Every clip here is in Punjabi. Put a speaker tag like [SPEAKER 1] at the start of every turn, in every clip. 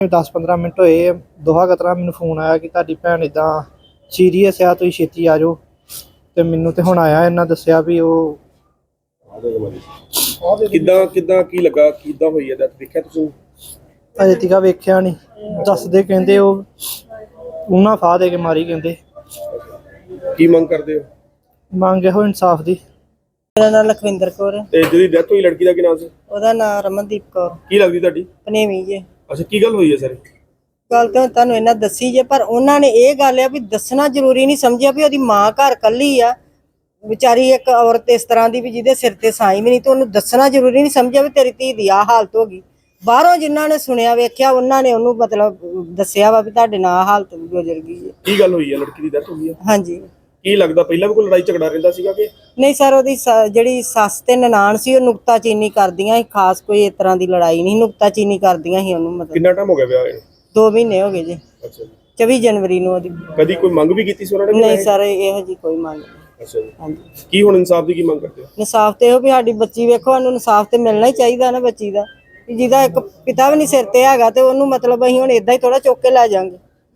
[SPEAKER 1] 10-15 ਮਿੰਟ ਹੋਏ ਦੋਹਾ ਕਤਰਾ ਮੈਨੂੰ ਫੋਨ ਆਇਆ ਕਿ ਤੁਹਾਡੀ ਭੈਣ ਇਦਾਂ ਸੀਰੀਅਸ ਆ, ਤੁਸੀਂ ਛੇਤੀ ਆ ਜਾਓ। ਤੇ ਮੈਨੂੰ ਤੇ ਹੁਣ ਆਇਆ, ਇਹਨਾਂ ਦੱਸਿਆ ਵੀ ਉਹ
[SPEAKER 2] ਕਿੱਦਾਂ ਕੀ ਲੱਗਾ, ਕਿੱਦਾਂ ਹੋਈ ਹੈ ਡੈਥ, ਦੇਖਿਆ ਤੁਸੀਂ?
[SPEAKER 1] ਅਜੇ ਤੀਕਾ ਵੇਖਿਆ ਨਹੀਂ, ਦੱਸਦੇ ਕਹਿੰਦੇ ਉਹ ਉਹਨਾਂ ਫਾਹ ਦੇ ਕੇ ਮਾਰੀ। ਕਹਿੰਦੇ
[SPEAKER 2] ਕੀ ਮੰਗ ਕਰਦੇ ਹੋ?
[SPEAKER 1] ਮੰਗ ਇਹੋ ਇਨਸਾਫ ਦੀ।
[SPEAKER 3] ਮੇਰਾ ਨਾਮ ਲਖਵਿੰਦਰ ਕੌਰ ਹੈ।
[SPEAKER 2] ਤੇ ਜਿਹਦੀ ਡੈਥ ਹੋਈ ਲੜਕੀ ਦਾ ਕੀ ਨਾਮ ਸੀ?
[SPEAKER 3] ਉਹਦਾ ਨਾਮ ਰਮਨਦੀਪ ਕੌਰ।
[SPEAKER 2] ਕੀ ਲੱਗਦੀ ਤੁਹਾਡੀ?
[SPEAKER 3] ਪਨੇਵੀ ਜੇ।
[SPEAKER 2] ਅੱਛਾ, ਕੀ ਗੱਲ ਹੋਈ ਹੈ ਸਰ?
[SPEAKER 3] ਗੱਲ ਤਾਂ ਤੁਹਾਨੂੰ ਇਹਨਾਂ ਦੱਸੀ ਜੇ, ਪਰ ਉਹਨਾਂ ਨੇ ਇਹ ਗੱਲ ਆ ਵੀ ਦੱਸਣਾ ਜ਼ਰੂਰੀ ਨਹੀਂ ਸਮਝਿਆ ਵੀ ਉਹਦੀ ਮਾਂ ਘਰ ਕੱਲੀ ਆ ਵਿਚਾਰੀ, ਇੱਕ ਔਰਤ ਇਸ ਤਰ੍ਹਾਂ ਦੀ ਵੀ ਜਿਹਦੇ ਸਿਰ ਤੇ ਸਾਈ ਵੀ ਨਹੀਂ, ਤੇ ਉਹਨੂੰ ਦੱਸਣਾ ਜ਼ਰੂਰੀ ਨਹੀਂ ਸਮਝਿਆ ਵੀ ਤੇਰੀ ਧੀ ਦੀ ਆਹ ਹਾਲਤ ਹੋ ਗਈ। ਬਾਹਰੋਂ ਜਿਨ੍ਹਾਂ ਨੇ ਸੁਣਿਆ ਵੇਖਿਆ ਉਹਨਾਂ ਨੇ ਉਹਨੂੰ ਮਤਲਬ ਦੱਸਿਆ ਵਾ ਵੀ ਤੁਹਾਡੇ ਨਾਲ ਆਹ ਹਾਲਤ ਗੁਜ਼ਰ ਗਈ ਹੈ।
[SPEAKER 2] ਕੀ ਗੱਲ ਹੋਈ ਹੈ? ਲੜਕੀ ਦੀ ਡੈਥ ਹੋਈ ਹੈ?
[SPEAKER 3] ਹਾਂਜੀ।
[SPEAKER 2] ਕੀ ਲੱਗਦਾ ਪਹਿਲਾਂ ਵੀ ਕੋਈ ਲੜਾਈ ਝਗੜਾ ਰਹਿੰਦਾ ਸੀਗਾ ਕਿ
[SPEAKER 3] ਨਹੀਂ ਸਰ, ਉਹਦੀ ਜਿਹੜੀ ਸੱਸ ਤੇ ਨਨਾਣ ਸੀ ਉਹ ਨੁਕਤਾਚੀਨੀ ਕਰਦੀਆਂ ਸੀ, ਖਾਸ ਕੋਈ ਇਸ ਤਰ੍ਹਾਂ ਦੀ ਲੜਾਈ ਨਹੀਂ, ਨੁਕਤਾਚੀਨੀ ਕਰਦੀਆਂ ਸੀ ਉਹਨੂੰ। ਮਤਲਬ
[SPEAKER 2] ਕਿੰਨਾ ਟਾਈਮ ਹੋ ਗਿਆ ਵਿਆਹ ਨੂੰ?
[SPEAKER 3] 2 ਮਹੀਨੇ ਹੋ ਗਏ ਜੀ।
[SPEAKER 2] ਅੱਛਾ ਜੀ।
[SPEAKER 3] 24 ਜਨਵਰੀ ਨੂੰ ਉਹਦੀ।
[SPEAKER 2] ਕਦੀ ਕੋਈ ਮੰਗ ਵੀ ਕੀਤੀ ਸੀ ਉਹਨਾਂ ਨੇ?
[SPEAKER 3] ਨਹੀਂ ਸਰ, ਇਹੋ ਜੀ ਕੋਈ ਮੰਗ ਨਹੀਂ।
[SPEAKER 2] ਅੱਛਾ ਜੀ।
[SPEAKER 3] ਹਾਂਜੀ।
[SPEAKER 2] ਕੀ ਹੁਣ ਇਨਸਾਫ ਦੀ ਕੀ ਮੰਗ ਕਰਦੇ ਹੋ?
[SPEAKER 3] ਇਨਸਾਫ ਤੇ ਇਹੋ ਵੀ ਸਾਡੀ ਬੱਚੀ ਵੇਖੋ, ਸਾਨੂੰ ਇਨਸਾਫ ਤੇ ਮਿਲਣਾ ਹੀ ਚਾਹੀਦਾ ਨਾ ਬੱਚੀ ਦਾ, ਜਿਹਦਾ ਇੱਕ ਪਿਤਾ ਵੀ ਨਹੀਂ ਸਿਰ ਤੇ ਹੈਗਾ, ਤੇ ਉਹਨੂੰ ਮਤਲਬ ਅਸੀਂ ਹੁਣ ਏਦਾਂ ਹੀ ਥੋੜਾ ਚੁੱਕ ਕੇ ਲੈ ਜਾਾਂਗੇ।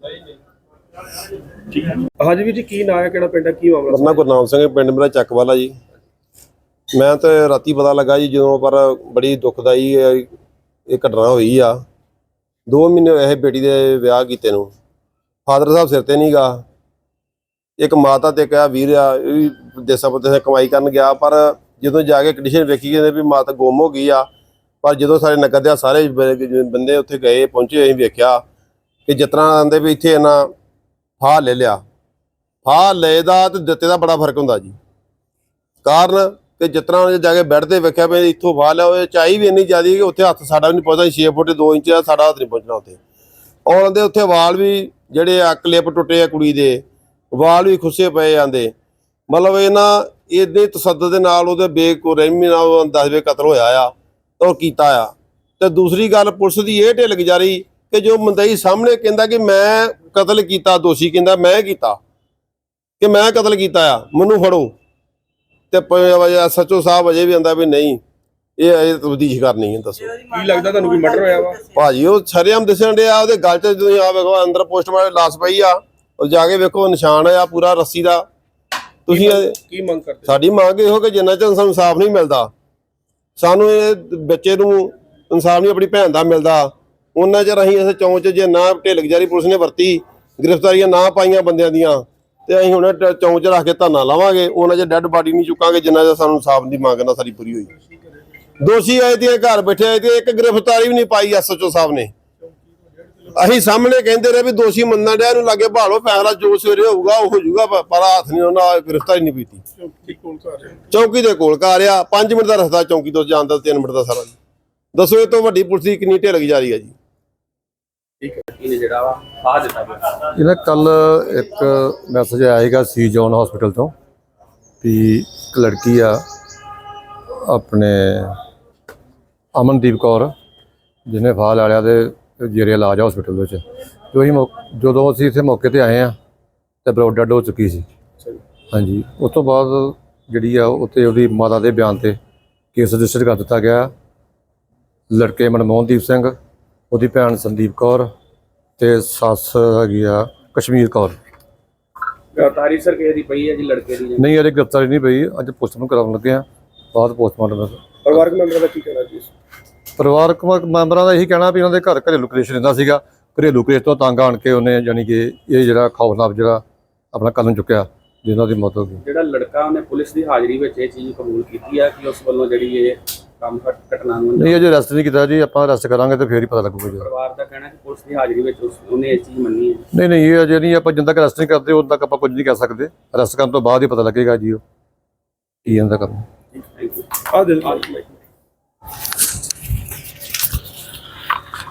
[SPEAKER 2] ਹਾਂਜੀ ਵੀਰ ਜੀ, ਕੀ ਨਾਂ ਹੈ, ਕਿਹੜਾ ਪਿੰਡ ਹੈ, ਕੀ ਮਾਮਲਾ?
[SPEAKER 4] ਮੇਰਾ ਗੁਰਨਾਮ ਸਿੰਘ, ਪਿੰਡ ਮੇਰਾ ਚੱਕਵਾਲਾ ਜੀ। ਮੈਂ ਤੇ ਰਾਤੀ ਪਤਾ ਲੱਗਾ ਜੀ ਜਦੋਂ, ਪਰ ਬੜੀ ਦੁਖਦਾਈ ਇਹ ਘਟਨਾ ਹੋਈ ਆ। 2 ਮਹੀਨੇ ਹੋਏ ਇਹ ਬੇਟੀ ਦੇ ਵਿਆਹ ਕੀਤੇ ਨੂੰ। ਫਾਦਰ ਸਾਹਿਬ ਸਿਰ ਤੇ ਨਹੀਂ ਗਾ, ਇੱਕ ਮਾਤਾ ਤੇ ਕਿਹਾ ਵੀਰ ਆ, ਇਹ ਵੀ ਦੇਸਾਂ ਪਰਦੇਸਾਂ ਕਮਾਈ ਕਰਨ ਗਿਆ, ਪਰ ਜਦੋਂ ਜਾ ਕੇ ਕੰਡੀਸ਼ਨ ਵੇਖੀ ਕਹਿੰਦੇ ਵੀ ਮਾਤਾ ਗੁੰਮ ਹੋ ਗਈ ਆ। ਪਰ ਜਦੋਂ ਸਾਰੇ ਨਗਰ ਦੇ ਸਾਰੇ ਬੰਦੇ ਉੱਥੇ ਗਏ ਪਹੁੰਚੇ, ਅਸੀਂ ਵੇਖਿਆ ਕਿ ਜਿਸ ਤਰ੍ਹਾਂ ਆਂਦੇ ਵੀ ਇੱਥੇ ਇਹਨਾਂ ਫਾਹ ਲੈ ਲਿਆ। ਫਾਹ ਲਏ ਦਾ ਤੇ ਦਿੱਤੇ ਦਾ ਬੜਾ ਫਰਕ ਹੁੰਦਾ ਜੀ। ਕਾਰਨ ਕਿ ਜਿਸ ਤਰ੍ਹਾਂ ਜਾ ਕੇ ਬੈੱਡ ਤੇ ਵੇਖਿਆ ਵੀ ਇੱਥੋਂ ਫਾਹ ਲਿਆ, ਉਹ ਚਾਈ ਵੀ ਇੰਨੀ ਜ਼ਿਆਦਾ ਕਿ ਉੱਥੇ ਹੱਥ ਸਾਡਾ ਵੀ ਨਹੀਂ ਪਹੁੰਚਦਾ। 6 ਫੁੱਟ 2 ਇੰਚ ਦਾ ਸਾਡਾ ਹੱਥ ਨਹੀਂ ਪਹੁੰਚਣਾ ਉੱਥੇ। ਔਰ ਦੇ ਉੱਥੇ ਵਾਲ ਵੀ ਜਿਹੜੇ ਆ ਕਲਿੱਪ ਟੁੱਟੇ ਆ, ਕੁੜੀ ਦੇ ਵਾਲ ਵੀ ਖੁੱਸੇ ਪਏ ਜਾਂਦੇ। ਮਤਲਬ ਇਹਨਾਂ ਇਹਦੇ ਤਸੱਦਦ ਦੇ ਨਾਲ ਉਹਦੇ ਬੇਰਹਿਮੀ ਨਾਲ 10 ਵੇ ਕਤਲ ਹੋਇਆ ਆ ਤਾਂ ਉਹ ਕੀਤਾ ਆ। ਤੇ ਦੂਸਰੀ ਗੱਲ, ਪੁਲਿਸ ਦੀ ਇਹ ਢਿੱਲ ਗੁਜ਼ਾਰੀ ਕਿ ਜੋ ਮੁੰਦਈ ਸਾਹਮਣੇ ਕਹਿੰਦਾ ਕਿ ਮੈਂ ਕਤਲ ਕੀਤਾ, ਦੋਸ਼ੀ ਕਹਿੰਦਾ ਮੈਂ ਕੀਤਾ, ਕਿ ਮੈਂ ਕਤਲ ਕੀਤਾ ਆ, ਮੈਨੂੰ ਫੜੋ। ਤੇ SHO ਸਾਹਿਬ ਅਜੇ ਵੀ ਆਂਦਾ ਵੀ ਨਹੀਂ, ਇਹ ਤਬਦੀਸ਼ ਕਰਨੀ ਹੈ। ਦੱਸੋ
[SPEAKER 2] ਕੀ ਲੱਗਦਾ ਤੁਹਾਨੂੰ ਕੋਈ ਮਰਡਰ ਹੋਇਆ ਵਾ?
[SPEAKER 4] ਭਾਜੀ ਉਹ ਸ਼ਰੇਆਮ ਦਿਸਣ ਡਿਆ, ਉਹਦੇ ਗਲ 'ਚ ਤੁਸੀਂ ਆ ਵੇਖੋ, ਅੰਦਰ ਪੋਸਟਮਾਰਟਮ ਲਾਸ਼ ਪਈ ਆ, ਉਹ ਜਾ ਕੇ ਵੇਖੋ ਨਿਸ਼ਾਨ ਆ ਪੂਰਾ ਰੱਸੀ ਦਾ। ਤੁਸੀਂ
[SPEAKER 2] ਕੀ ਮੰਗ ਕਰਦੇ?
[SPEAKER 4] ਸਾਡੀ ਮੰਗ ਇਹੋ ਕਿ ਜਿੰਨਾ ਚਿਰ ਸਾਨੂੰ ਇਨਸਾਫ ਨਹੀਂ ਮਿਲਦਾ, ਸਾਨੂੰ ਇਹ ਬੱਚੇ ਨੂੰ ਇਨਸਾਫ ਨਹੀਂ ਆਪਣੀ ਭੈਣ ਦਾ ਮਿਲਦਾ, ਉਹਨਾਂ ਚਿਰ ਅਸੀਂ ਇਸ ਚੌਂਚ 'ਚ ਜੇ ਨਾ ਢਿੱਲ ਗੁਜ਼ਾਰੀ ਪੁਲਿਸ ਨੇ ਵਰਤੀ, ਗ੍ਰਿਫਤਾਰੀਆਂ ਨਾ ਪਾਈਆਂ ਬੰਦਿਆਂ ਦੀਆਂ, ਤੇ ਅਸੀਂ ਹੁਣ ਚੌਂਚ 'ਚ ਰੱਖ ਕੇ ਧਰਨਾ ਲਾਵਾਂਗੇ। ਉਹਨਾਂ 'ਚ ਡੈੱਡ ਬਾਡੀ ਨਹੀਂ ਚੁੱਕਾਂਗੇ ਜਿੰਨਾ ਚਿਰ ਸਾਨੂੰ ਇਨਸਾਫ ਦੀ ਮੰਗ ਨਾ ਸਾਡੀ ਪੂਰੀ ਹੋਈ। ਦੋਸ਼ੀ ਆਏ ਤੇ ਘਰ ਬੈਠੇ ਆਏ ਤੇ ਇੱਕ ਗ੍ਰਿਫਤਾਰੀ ਵੀ ਨਹੀਂ ਪਾਈ SHO ਸਾਹਿਬ ਨੇ। ਅਸੀਂ ਸਾਹਮਣੇ ਕਹਿੰਦੇ ਰਹੇ ਵੀ ਦੋਸ਼ੀ ਮੰਨਣ ਡਿਆ, ਇਹਨੂੰ ਲਾਗੇ ਭਾਲੋ, ਫੈਸਲਾ ਜੋ ਸਵੇਰੇ ਹੋਊਗਾ ਉਹ ਹੋ ਜਾਊਗਾ, ਪਰ ਹੱਥ ਨਹੀਂ ਉਹਨਾਂ ਗ੍ਰਿਫਤਾਰੀ ਨਹੀਂ ਪੀਤੀ। ਚੌਂਕੀ ਦੇ ਕੋਲ ਘਰ ਆ, 5 ਮਿੰਟ ਦਾ ਰਸਤਾ ਚੌਂਕੀ ਤੋਂ ਜਾਣ ਦਾ, 3 ਮਿੰਟ ਦਾ ਸਾਰਾ। ਦੱਸੋ ਇਹ ਤੋਂ ਵੱਡੀ ਪੁਲਿਸ ਦੀ ਕਿੰਨੀ ਢਿੱਲ ਗੁਜ਼ਾਰੀ ਆ ਜੀ।
[SPEAKER 5] ਇਹਨਾਂ ਕੱਲ ਇੱਕ ਮੈਸੇਜ ਆਇਆ ਸੀਗਾ ਸੀ ਜੋਨ ਹਸਪੀਟਲ ਤੋਂ ਵੀ ਇੱਕ ਲੜਕੀ ਆ ਆਪਣੇ ਅਮਨਦੀਪ ਕੌਰ, ਜਿਹਨੇ ਫਾਹ ਲੈ ਲਿਆ ਤੇ ਜੇਰੇ ਇਲਾਜ ਆ ਹਸਪੀਟਲ ਵਿੱਚ। ਜਦੋਂ ਅਸੀਂ ਇੱਥੇ ਮੌਕੇ ਤੇ ਆਏ ਆ ਤੇ ਬਲੱਡ ਡੈਡ ਹੋ ਚੁੱਕੀ ਸੀ। ਹਾਂਜੀ, ਉਸ ਤੋਂ ਬਾਅਦ ਜਿਹੜੀ ਆ ਉੱਥੇ ਉਹਦੀ ਮਾਤਾ ਦੇ ਬਿਆਨ ਤੇ ਕੇਸ ਰਜਿਸਟਰ ਕਰ ਦਿੱਤਾ ਗਿਆ। ਲੜਕੇ ਮਨਮੋਹਨਦੀਪ ਸਿੰਘ, ਉਹਦੀ ਭੈਣ ਸੰਦੀਪ ਕੌਰ ਤੇ ਸੱਸ ਹੈਗੀ ਆ ਕਸ਼ਮੀਰ ਕੌਰ।
[SPEAKER 2] ਗ੍ਰਿਫਤਾਰੀ ਸਰ ਕਿਸੇ ਦੀ ਪਈ ਹੈ ਜੀ ਲੜਕੇ ਦੀ?
[SPEAKER 5] ਨਹੀਂ, ਅਜੇ ਗ੍ਰਿਫਤਾਰੀ ਨਹੀਂ ਪਈ, ਅੱਜ ਪੋਸਟਮਾਰਟਮ ਕਰਾਉਣ ਲੱਗੇ ਆ, ਬਾਅਦ ਪੋਸਟਮਾਰਟਮ।
[SPEAKER 2] ਪਰਿਵਾਰਕ ਮੈਂਬਰਾਂ ਦਾ ਕੀ ਕਹਿਣਾ ਜੀ?
[SPEAKER 5] ਪਰਿਵਾਰਕ ਮੈਂਬਰਾਂ ਦਾ ਇਹੀ ਕਹਿਣਾ ਵੀ ਉਹਨਾਂ ਦੇ ਘਰ ਘਰੇਲੂ ਕਲੇਸ਼ ਰਹਿੰਦਾ ਸੀਗਾ। ਘਰੇਲੂ ਕਲੇਸ਼ ਤੋਂ ਤੰਗ ਆਣ ਕੇ ਉਹਨੇ ਯਾਨੀ ਕਿ ਇਹ ਜਿਹੜਾ ਖੌਫਨਾਕ ਜਿਹੜਾ ਆਪਣਾ ਕਦਮ ਚੁੱਕਿਆ, ਜਿਹਨਾਂ ਦੀ ਮੌਤ ਹੋ ਗਈ।
[SPEAKER 6] ਜਿਹੜਾ ਲੜਕਾ ਉਹਨੇ ਪੁਲਿਸ ਦੀ ਹਾਜ਼ਰੀ ਵਿੱਚ ਇਹ ਚੀਜ਼ ਕਬੂਲ ਕੀਤੀ ਆ ਕਿ ਉਸ ਵੱਲੋਂ ਜਿਹੜੀ ਇਹ ਕੰਮ ਘਟਨਾ ਨੂੰ
[SPEAKER 5] ਨਹੀਂ ਅਜੇ ਅਰੈਸਟ ਨਹੀਂ ਕੀਤਾ ਜੀ, ਆਪਾਂ ਅਰੈਸਟ ਕਰਾਂਗੇ ਤੇ ਫੇਰ ਹੀ ਪਤਾ ਲੱਗੂਗਾ ਜੀ।
[SPEAKER 6] ਪਰਿਵਾਰ ਦਾ ਕਹਿਣਾ ਕਿ ਪੁਲਿਸ ਦੀ ਹਾਜ਼ਰੀ ਵਿੱਚ ਉਹਨੇ ਇਹ ਚੀਜ਼ ਮੰਨੀ ਹੈ।
[SPEAKER 5] ਨਹੀਂ ਇਹ ਅਜੇ ਨਹੀਂ, ਆਪਾਂ ਜਿੰਨਾ ਤੱਕ ਅਰੈਸਟ ਨਹੀਂ ਕਰਦੇ ਉਦੋਂ ਤੱਕ ਆਪਾਂ ਕੁਝ ਨਹੀਂ ਕਹਿ ਸਕਦੇ। ਅਰੈਸਟ ਕਰਨ ਤੋਂ ਬਾਅਦ ਹੀ ਪਤਾ ਲੱਗੇਗਾ ਜੀ ਉਹ ਕੀ ਇਹਦਾ ਕੰਮ।
[SPEAKER 2] Thank you.